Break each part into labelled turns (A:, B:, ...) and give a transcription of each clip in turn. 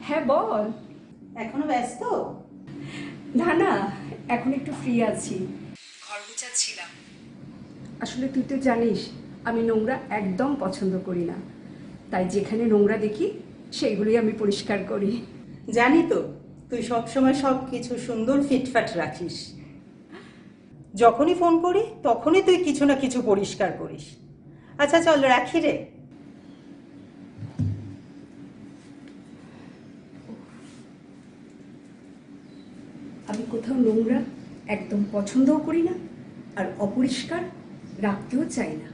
A: হ্যাঁ বল।
B: এখনো ব্যস্ত?
A: না না, এখন একটু ফ্রি আছি, ঘর গুছাচ্ছিলাম। আসলে তুই তো জানিস আমি নোংরা একদম পছন্দ করি না, তাই যেখানে নোংরা দেখি সেইগুলোই আমি পরিষ্কার করি।
B: জানি তো, তুই সবসময় সব কিছু সুন্দর ফিটফাট রাখিস। যখনই ফোন করি তখনই তুই কিছু না কিছু পরিষ্কার করিস। আচ্ছা চল রাখি রে।
A: আমি কোথাও নোংরা একদম পছন্দও করি না, আর অপরিষ্কার রাখতেও চাই না।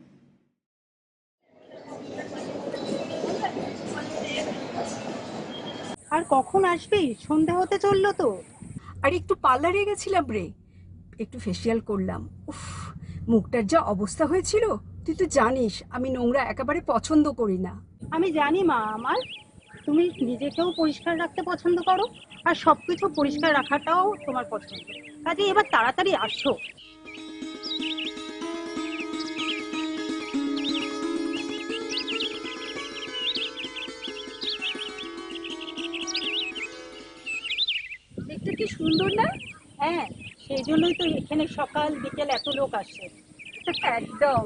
C: আর কখন আসবি? সন্ধে হতে চললো তো।
A: আর একটু পার্লারে গেছিলাম রে, একটু ফেসিয়াল করলাম। উফ, মুখটার যা অবস্থা হয়েছিল, তুই তো জানিস আমি নোংরা একেবারে পছন্দ করি না।
C: আমি জানি মা আমার, তুমি নিজেকেও পরিষ্কার রাখতে পছন্দ করো আর সবকিছু পরিষ্কার রাখাটাও তোমার পছন্দ। কাজে এবার তাড়াতাড়ি আসো।
A: দেখতে কি সুন্দর না?
C: হ্যাঁ, সেই জন্যই তো এখানে সকাল বিকেল এত লোক আসে।
A: একদম।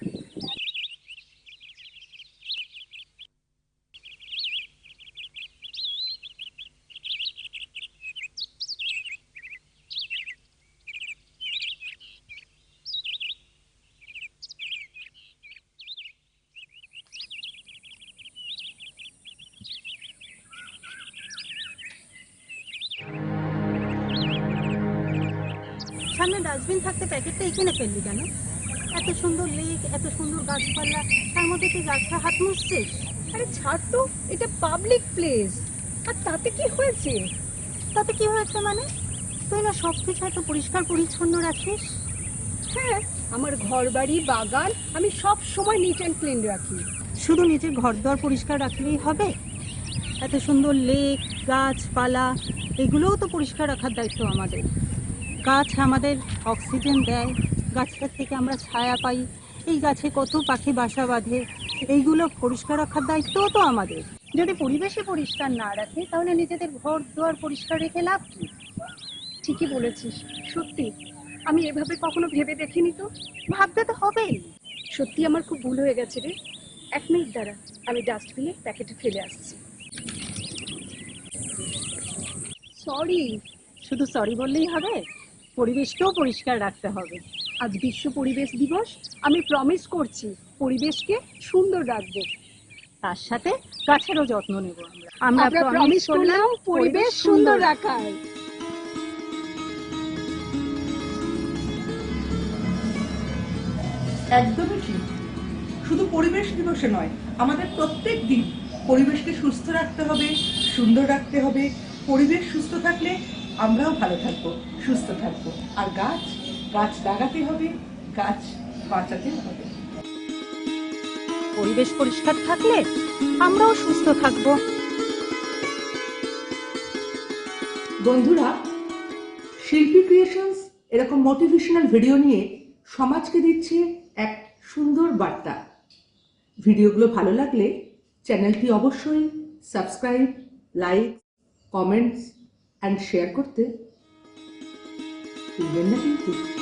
C: সামনে ডাস্টবিন থাকতে প্যাকেটটা এখানে ফেললি কেন? এত সুন্দর লেক, এত সুন্দর গাছপালা, তার মধ্যে তুই গাছটা হাত মুছছিস?
A: আরে ছাড় তো, এটা পাবলিক প্লেস, আর তাতে কি হয়েছে?
C: তাতে কি হয়েছে মানে? তুই না সবকিছু এত পরিষ্কার পরিচ্ছন্ন রাখিস।
A: হ্যাঁ, আমার ঘর বাড়ি বাগান আমি সব সময় নিট অ্যান্ড ক্লিন রাখি।
C: শুধু নিজের ঘরদোর পরিষ্কার রাখলেই হবে? এত সুন্দর লেক, গাছপালা, এগুলোও তো পরিষ্কার রাখার দায়িত্ব আমাদের। গাছ আমাদের অক্সিজেন দেয়, গাছটার থেকে আমরা ছায়া পাই, এই গাছে কত পাখি বাসা বাঁধে, এইগুলো পরিষ্কার রাখার দায়িত্বও তো আমাদের। যদি পরিবেশে পরিষ্কার না রাখে তাহলে নিজেদের ঘর দুয়ার পরিষ্কার রেখে লাভ কি?
A: ঠিকই বলেছিস, সত্যি আমি এভাবে কখনো ভেবে দেখিনি তো।
C: ভাবতে তো হবেই।
A: সত্যি আমার খুব ভুল হয়ে গেছে রে। 1 মিনিট দাঁড়া, আমি ডাস্টবিনে প্যাকেটে ফেলে আসছি। সরি।
C: শুধু সরি বললেই হবে? পরিবেশকেও পরিষ্কার রাখতে হবে।
A: আজ বিশ্ব পরিবেশ দিবস, আমি প্রমিস করছি পরিবেশকে সুন্দর রাখবো।
C: তার সাথে গাছেরও যত্ন নেব। আমরা
A: আমরা প্রমিস করলাম পরিবেশ সুন্দর রাখার।
B: একদমই ঠিক। শুধু পরিবেশ দিবসে নয়, আমাদের প্রত্যেক দিন পরিবেশকে সুস্থ রাখতে হবে, সুন্দর রাখতে হবে। পরিবেশ সুস্থ থাকলে আমরাও ভালো থাকবো, সুস্থ থাকবো। আর গাছ গাছ লাগাতে হবে, গাছ বাঁচাতে হবে।
C: পরিবেশ পরিষ্কার থাকলে আমরাও সুস্থ থাকবো।
B: বন্ধুরা, শিল্পী ক্রিয়েশনস এরকম মোটিভেশনাল ভিডিও নিয়ে সমাজকে দিচ্ছে এক সুন্দর বার্তা। ভিডিওগুলো ভালো লাগলে চ্যানেলটি অবশ্যই subscribe, like, comments and share করতে ভুলবেন না কিন্তু।